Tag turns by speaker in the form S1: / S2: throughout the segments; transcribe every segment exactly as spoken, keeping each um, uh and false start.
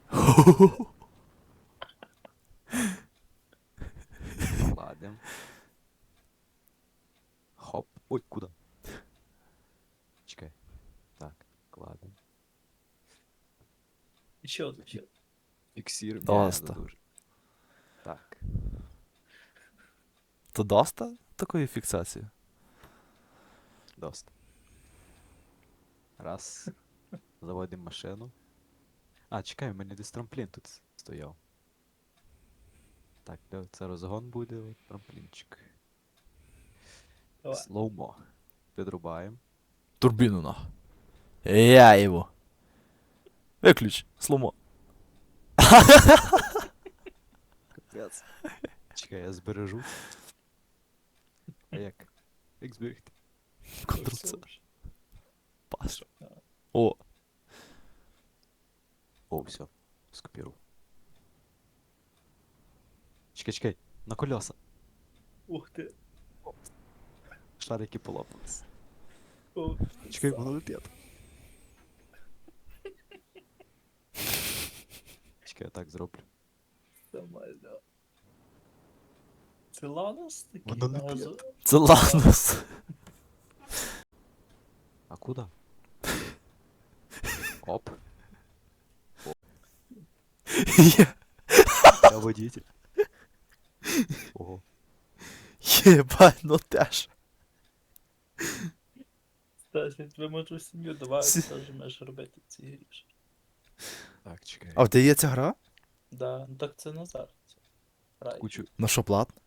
S1: Кладем. Хоп. Ой, куда? Чекай. Так, кладем.
S2: Еще одну, ще.
S1: Фиксируем.
S3: Доста.
S1: Не, дуже. Так.
S3: То доста такої фіксації?
S1: Дост. Раз. Заводимо машину. А, чекай, у мене десь трамплін тут стояв. Так, де це розгон буде, от трамплінчик.
S2: Давай.
S1: Слоумо. Підрубаємо.
S3: Турбіну нахуй. Я його. Виключ, сломо.
S1: Капець. Чекай, я збережу. А як? Як зберегти?
S3: Контрол-С.
S2: Все.
S3: Пас. О,
S1: О, все. Скопірував. Чекай, чекай. На колеса.
S2: Ух ти.
S1: Шарики полопались.
S2: О,
S1: Чекай, воно летить. Чекай, я так зроблю.
S2: Нормально. Це Ланос такий
S1: Воно
S2: на
S1: не
S2: газу?
S3: це Ланус.
S1: А куда? Оп.
S3: Є-
S1: Я водитель. Ого.
S3: Єбать, ну теж.
S2: Стас, я тебе можу в сім'ю давай,
S3: Сі-
S2: теж можеш робити ці гріші.
S1: Так, чекай.
S3: А в тебе є ця гра?
S2: Да, ну так це Назар. Це. Рай.
S1: Кучу.
S3: На що платно?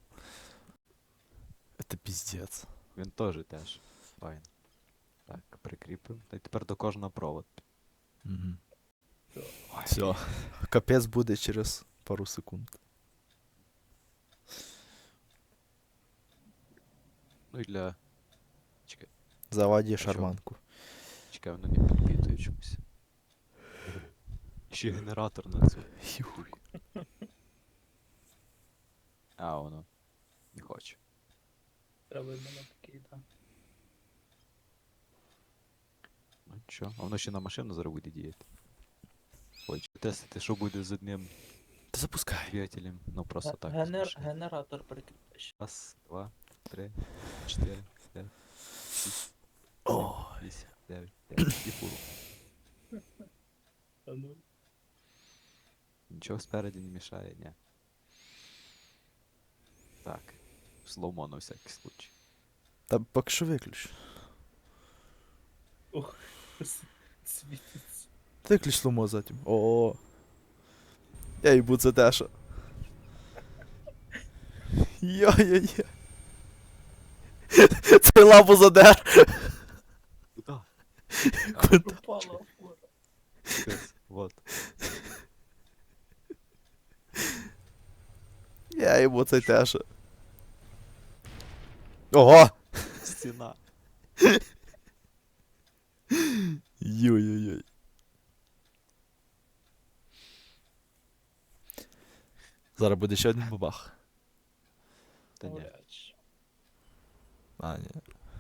S3: Це піздець.
S1: Він теж теж. Файн. Так, прикріпимо. Та й тепер до кожного провод.
S3: Угу.
S2: Всё.
S1: Ой.
S3: Все. Капець буде через пару секунд.
S1: Ну і для... Чекай,
S3: Заваді
S1: що?
S3: шарманку.
S1: чекай, воно не підпитує чомусь. Ще генератор на цю.
S3: Юх.
S1: А, воно. Не хоче.
S2: Треба в мене такий, так.
S1: Ну нічого. А воно ще на машину зараз буде діяти. Ой, тестити, що буде з одним
S3: Ти запускай.
S1: двигателем. Ну просто так. з
S2: Генер...
S1: машини.
S2: Генератор прикріпиш.
S1: Раз, два, три, чотири, п'ять, шість,
S3: Ой.
S1: сім, вісім, дев'ять, десять. І фуру.
S2: А ну.
S1: Нічого спереді не мішає, ні. Так. Слоумо на всякий случай.
S3: Та поки що виключ.
S2: Ух, с- світиться.
S3: Виключ сломо затім. О. Я їбу це теж. Йо-йо-йо. Цей лапу задер.
S1: Куда?
S3: Куда?
S2: Пропала фора.
S1: Пипець, вот.
S3: Я їбу цей теж. Ого!
S1: Стіна.
S3: Йой-йой-йой. Зараз буде ще один бабах.
S1: Та ні.
S2: Навряд чи.
S3: А, ні.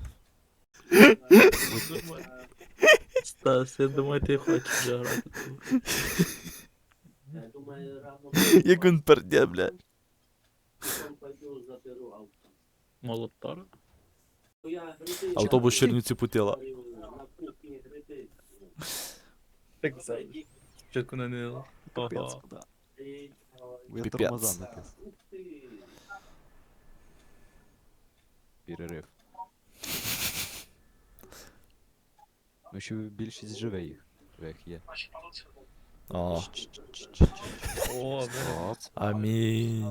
S2: Думаю- Стас, я думаю, ти хочеш вже грати.
S4: Я думаю, рано
S3: Як він пердє, блядь.
S4: потом пойду заберу авто.
S2: Молотар.
S4: Ну, я гриби
S3: Автобус
S4: я
S3: Чернівці путила.
S4: варю на кухні гриби.
S2: Так зараз. Спочатку на нього.
S1: Капець,
S2: Ага.
S1: куди?
S4: І, ой,
S1: Я
S3: Піпець.
S1: тормоза накис.
S4: ух ти.
S1: Перерив. Ну ще більшість живе їх. Живих є.
S3: О,
S1: Ч-ч-ч-ч-ч.
S2: О,
S1: Оп.
S3: амінь.